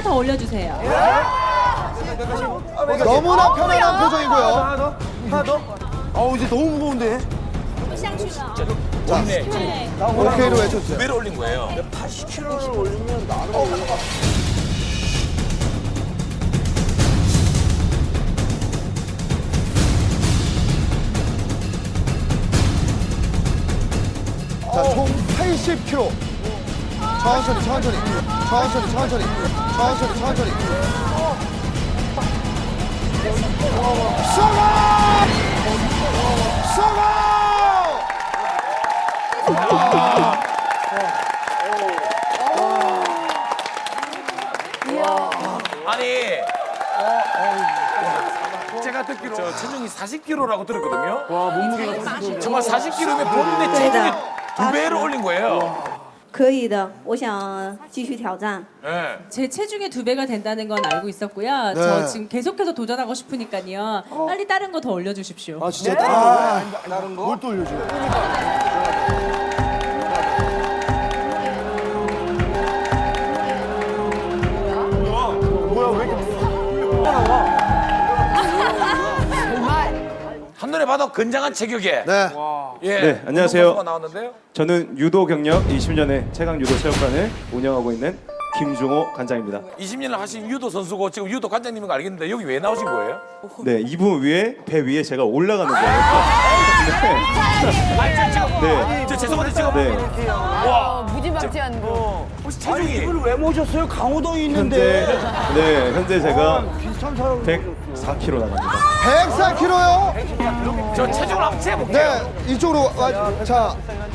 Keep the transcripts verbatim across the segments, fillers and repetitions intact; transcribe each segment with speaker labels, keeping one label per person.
Speaker 1: 더 올려주세요.
Speaker 2: 너무나 편안한 표정이고요.
Speaker 3: 하나 더? 하나 더? 어우, 이제 너무 무거운데?
Speaker 2: 자,
Speaker 1: 네.
Speaker 2: 오케이로 외쳤죠.
Speaker 4: 두 배로 올린 거예요.
Speaker 3: 팔십 킬로그램을 올리면 나는
Speaker 2: 자, 총 팔십 킬로그램. 천천히, 천천히. 천천히, 천천히. 천천히, 천천히. 성공! 성공!
Speaker 4: 아니, 제가 듣기로 저 체중이 사십 킬로그램라고 들었거든요.
Speaker 3: 와, 몸무게가
Speaker 4: 정말 사십 킬로그램이면 본인의 체중이 두 배로 올린 거예요.
Speaker 5: 可以的，我想继续挑战。
Speaker 4: 네.
Speaker 1: 제 체중의 두 배가 된다는 건 알고 있었고요.
Speaker 2: 네.
Speaker 1: 저 지금 계속해서 도전하고 싶으니까요. 빨리 다른 거 더 올려주십시오.
Speaker 2: 아, 진짜 다른 거?
Speaker 3: 다른 거?
Speaker 2: 뭘 또 올려줘요?
Speaker 3: 뭐야, 왜 이렇게 나와?
Speaker 4: 한눈에 봐도 건장한 체격에.
Speaker 2: 네.
Speaker 4: 예.
Speaker 6: 네, 안녕하세요.
Speaker 4: 운동 선수가 나왔는데요.
Speaker 6: 저는 유도 경력 이십 년의 최강 유도 체육관을 운영하고 있는 김종호 관장입니다.
Speaker 4: 이십 년을 하신 유도 선수고 지금 유도 관장님인 거 알겠는데 여기 왜 나오신 거예요?
Speaker 6: 네, 이분 위에 배 위에 제가 올라가는 거예요.
Speaker 4: 아니 저 지금
Speaker 6: 네.
Speaker 4: 저 죄송한데 지금
Speaker 6: 네,
Speaker 4: 와
Speaker 7: 무지막지한 거.
Speaker 4: 혹시
Speaker 3: 아니,
Speaker 4: 체중이
Speaker 3: 이걸 왜 모셨어요? 강호동이
Speaker 6: 현재
Speaker 3: 있는데.
Speaker 6: 네, 현재 제가
Speaker 3: 비슷한 사람.
Speaker 6: 백사 킬로그램 나갑니다.
Speaker 2: 백사 킬로그램요?
Speaker 4: 저 체중을 한번 재볼게요.
Speaker 2: 네, 이쪽으로 와. 자,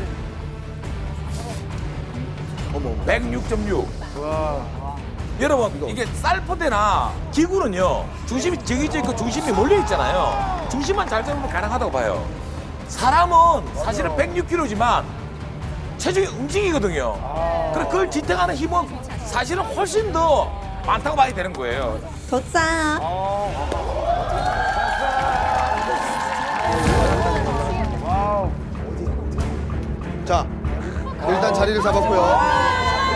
Speaker 4: 백육 점 육. 여러분 이게 쌀포대나 기구는요 중심이 정해져 있고 중심이 몰려 있잖아요. 중심만 잘 잡으면 가능하다고 봐요. 사람은 사실은 백육 킬로그램지만 체중이 움직이거든요. 그래 그걸 지탱하는 힘은 사실은 훨씬 더 많다고 봐야 되는 거예요.
Speaker 5: 投赞啊！
Speaker 2: 자, 일단 자리를 잡았고요.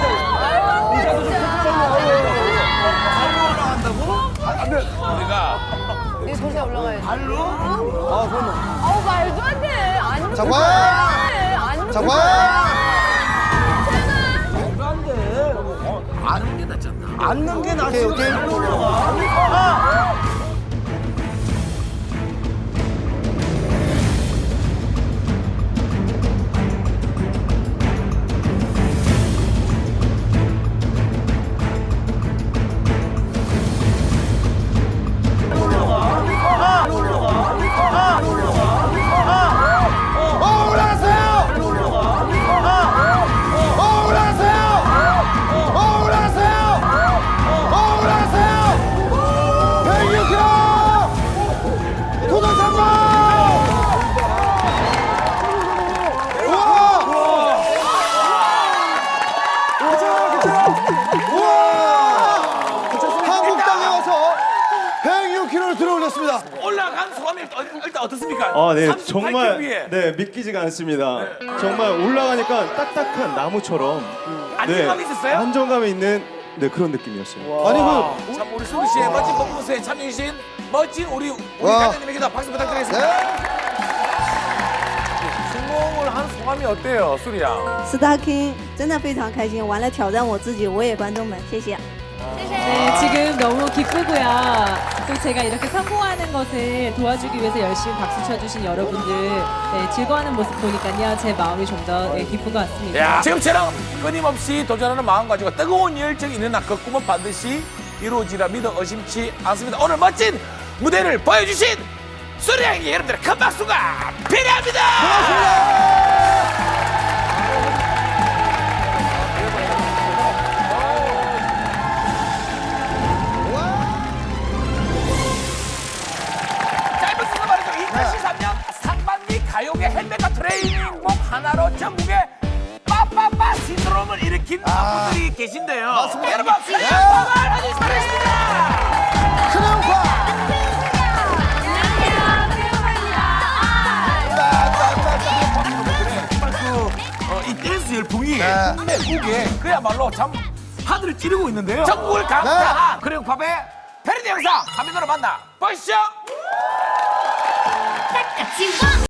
Speaker 4: 우리가
Speaker 7: 이게 도시에 올라가야 돼.
Speaker 3: 발로?
Speaker 7: 아우 말도 안 돼. 안
Speaker 2: 자, 와!
Speaker 7: 안
Speaker 2: 자, 와!
Speaker 3: 말도 안 돼.
Speaker 4: 아는 게 낫지 않나?
Speaker 3: 앉는 게 낫지.
Speaker 2: 오케이, 오케이.
Speaker 3: 발로 올라가.
Speaker 2: 어, 올라가세요! 어, 올라가세요! 어, 올라가세요! 어, 올라가세요! 백육 킬로그램! 도전 성공! 우와! 우와! 한국 땅에 와서 백육 킬로그램를 들어올렸습니다.
Speaker 4: 올라간 소감이 일- 일단 어떻습니까?
Speaker 6: 아, 네,
Speaker 4: 삼십팔 킬로그램
Speaker 6: 정말
Speaker 4: 위에
Speaker 6: 네 믿기지가 않습니다. 정말 올라가니까 딱딱한 나무처럼
Speaker 4: 안정감이 있었어요?
Speaker 6: 안정감이 있는 네 그런 느낌이었어요.
Speaker 2: 아니, 그,
Speaker 4: 참 우리 수리 씨의 멋진 퍼포먼스에 참여해주신 멋진 우리 우리
Speaker 2: 와.
Speaker 4: 관장님에게도 박수 부탁드리겠습니다.
Speaker 2: 네.
Speaker 4: 성공을 한 소감이 어때요, 수리 양?
Speaker 5: ，Star King 真的非常开心，完了挑战我自己，我也观众们，谢谢。
Speaker 1: 네, 지금 너무 기쁘고요. 또 제가 이렇게 성공하는 것을 도와주기 위해서 열심히 박수 쳐주신 여러분들 네, 즐거워하는 모습 보니까요. 제 마음이 좀 더 네, 기쁜 것 같습니다.
Speaker 4: 야, 지금처럼 끊임없이 도전하는 마음 가지고 뜨거운 열정이 있는 한 그 꿈은 반드시 이루어지라 믿어 의심치 않습니다. 오늘 멋진 무대를 보여주신 수리 양에게 여러분들의 큰 박수가 필요합니다. 짧은 시간 말이죠. 이천십삼 년 상반기 가요계 헬멧과 트레이닝복 하나로 전국에 빠빠빠 신드롬을 일으킨 분들이 계신데요.
Speaker 2: 맞습니다.
Speaker 4: 여러분 큰형광을 아주 잘했습니다.
Speaker 2: 큰형과!
Speaker 4: 정말 그, 어, 이 댄스 열풍이
Speaker 2: 네.
Speaker 4: 국내 국에 그야말로 참 한 하늘을 찌르고 있는데요. 전국을 강타한 크레용팝의 패러디 영상 화면으로 만나 보시죠.